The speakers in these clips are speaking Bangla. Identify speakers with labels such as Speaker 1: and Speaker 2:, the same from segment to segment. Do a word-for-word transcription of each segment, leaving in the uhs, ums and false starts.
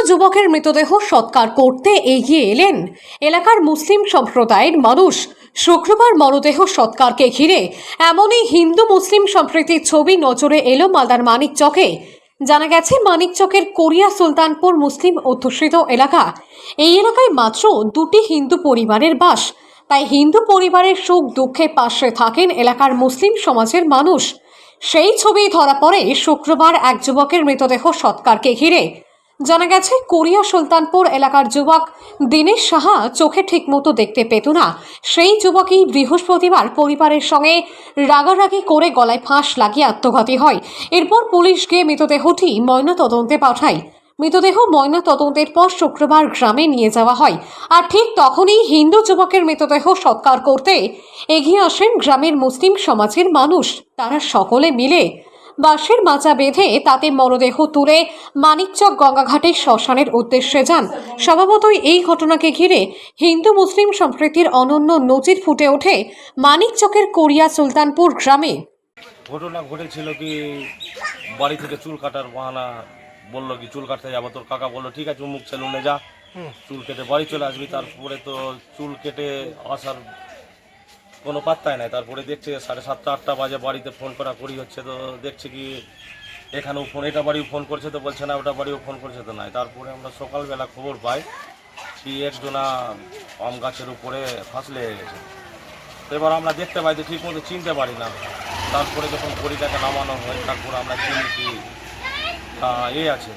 Speaker 1: যুবকের মৃতদেহ সৎকার করতে এগিয়ে এলেন এলাকার মুসলিম সম্প্রদায়ের মানুষ। শুক্রবার মরদেহ সৎকারকে ঘিরে এমনই হিন্দু মুসলিম সম্প্রীতির ছবি নজরে এলো মালদার মানিকচকে। জানা গেছে, মানিকচকের কোরিয়া সুলতানপুর মুসলিম অধ্যুষিত এলাকা। এই এলাকায় মাত্র দুটি হিন্দু পরিবারের বাস, তাই হিন্দু পরিবারের সুখ দুঃখে পাশে থাকেন এলাকার মুসলিম সমাজের মানুষ। সেই ছবি ধরা পড়ে শুক্রবার এক যুবকের মৃতদেহ সৎকারকে ঘিরে। জানা গেছে, কোরিয়া সুলতানপুর এলাকার যুবক দীনেশ সাহা চোখে ঠিকমতো দেখতে পেত না। সেই যুবকই বৃহস্পতিবার পরিবারের সঙ্গে রাগারাগি করে গলায় ফাঁস লাগিয়ে আত্মঘাতী হয়। এরপর পুলিশ গিয়ে মৃতদেহটি ময়নাতদন্তে পাঠায়। মৃতদেহ ময়না তদন্তের পর শুক্রবার গ্রামে নিয়ে যাওয়া হয়। আর ঠিক তখনই হিন্দু যুবকের মৃতদেহ সৎকার করতে এগিয়ে আসেন গ্রামের মুসলিম সমাজের মানুষ। তারা সকলে মিলে বাঁশের মাচা বেঁধে তাতে মরদেহ তুলে মানিকচক গঙ্গাঘাটের শ্মশানের উদ্দেশ্যে যান। স্বভাবতই এই ঘটনাকে ঘিরে হিন্দু মুসলিম সম্প্রীতির অনন্য নজির ফুটে ওঠে মানিকচকের কোরিয়া সুলতানপুর গ্রামে।
Speaker 2: ঘটনা ঘটেছিল কি, বাড়ি থেকে চুল কাটার বাহানা বললো কি চুল কাটতে যাবো। তোর কাকা বললো ঠিক আছে, মুখ সেলুনে যা, চুল কেটে বাড়ি চলে আসবি। তারপরে তো চুল কেটে আসার কোনো পাত্তাই নাই। তারপরে দেখছে সাড়ে সাতটা আটটা বাজে বাড়িতে ফোন করা করি হচ্ছে, তো দেখছে কি এখানেও ফোন, এটা বাড়িও ফোন করছে তো বলছে না, ওটা বাড়িও ফোন করছে তো নাই। তারপরে আমরা সকালবেলা খবর পাই কি একজনা আম গাছের উপরে ফাঁস লেগে গেছে। তো এবার আমরা দেখতে পাই যে ঠিক মতো চিনতে পারি না। তারপরে যখন বড়িটাকে নামানো হয় তারপরে আমরা চিনি কি এ আছে,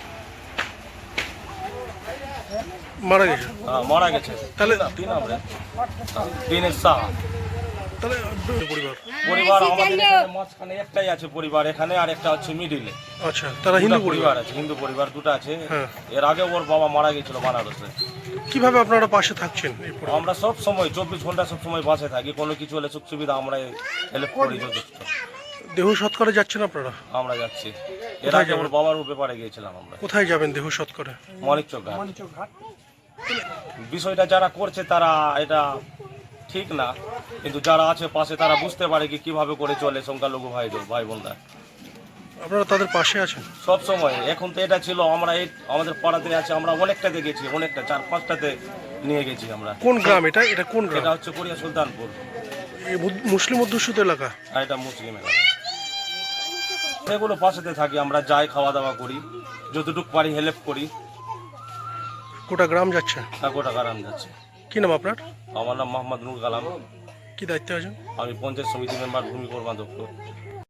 Speaker 3: মারা গেছে।
Speaker 2: মারা গেছে।
Speaker 3: তাহলে
Speaker 2: কি নাম রে? দীনেশ সাহা।
Speaker 3: তাহলে পরিবার
Speaker 2: পরিবার আমাদের এখানে মাঝখানে একটাই আছে পরিবার এখানে, আর একটা হচ্ছে মিডিলে।
Speaker 3: আচ্ছা, তারা হিন্দু পরিবার
Speaker 2: আছে, হিন্দু পরিবার দুটো আছে।
Speaker 3: হ্যাঁ।
Speaker 2: এর আগে ওর বাবা মারা গেছিল বানারসে।
Speaker 3: কিভাবে আপনারা পাশে থাকছেন? এই পরিবার?
Speaker 2: আমরা সব সময় চব্বিশ ঘন্টা সব সময় বাসে থাকি, কোনো কিছু হলে সুখ সুবিধা আমরা হেল্প করি যথেষ্ট।
Speaker 3: দেহ সৎকারে যাচ্ছেন আপনারা?
Speaker 2: আমরা যাচ্ছি। এর আগে ওর বাবার ব্যাপারে গিয়েছিলাম আমরা।
Speaker 3: কোথায় যাবেন দেহ সৎকারে?
Speaker 2: মানিকচক ঘাট। বিষয়টা যারা করছে তারা এটা ঠিক না, কিন্তু যারা আছে পাশে তারা বুঝতে পারে কি কিভাবে করে চলে সংখ্যালঘু ভাই ভাই বোনরা।
Speaker 3: আপনারা তাদের পাশে আছেন
Speaker 2: সব সময়। এখন তো এটা ছিল আমরা এই আমাদের পাড়াতে আছে, আমরা অনেকটাতে গেছি, অনেকটা চার পাঁচটাতে নিয়ে গেছি আমরা।
Speaker 3: কোন গ্রাম এটা? এটা কোন গ্রাম?
Speaker 2: এটা হচ্ছে কোরিয়া সুলতানপুর।
Speaker 3: এই মুসলিম অধ্যুষিত এলাকা?
Speaker 2: আর এটা মুসলিম এলাকা। সেগুলো পাশেতে থাকি, আমরা যাই, খাওয়া দাওয়া করি, যতটুকু পারি হেল্প করি।
Speaker 3: গোটা গ্রাম যাচ্ছে?
Speaker 2: হ্যাঁ, গোটা গ্রাম যাচ্ছে।
Speaker 3: কি নাম আপনার?
Speaker 2: আমার নাম মোহাম্মদ নুর কালাম।
Speaker 3: কি দায়িত্বে আছেন?
Speaker 2: আমি পঞ্চায়েত সমিতি মেম্বার, ভূমি কর্মাধ্যক্ষ।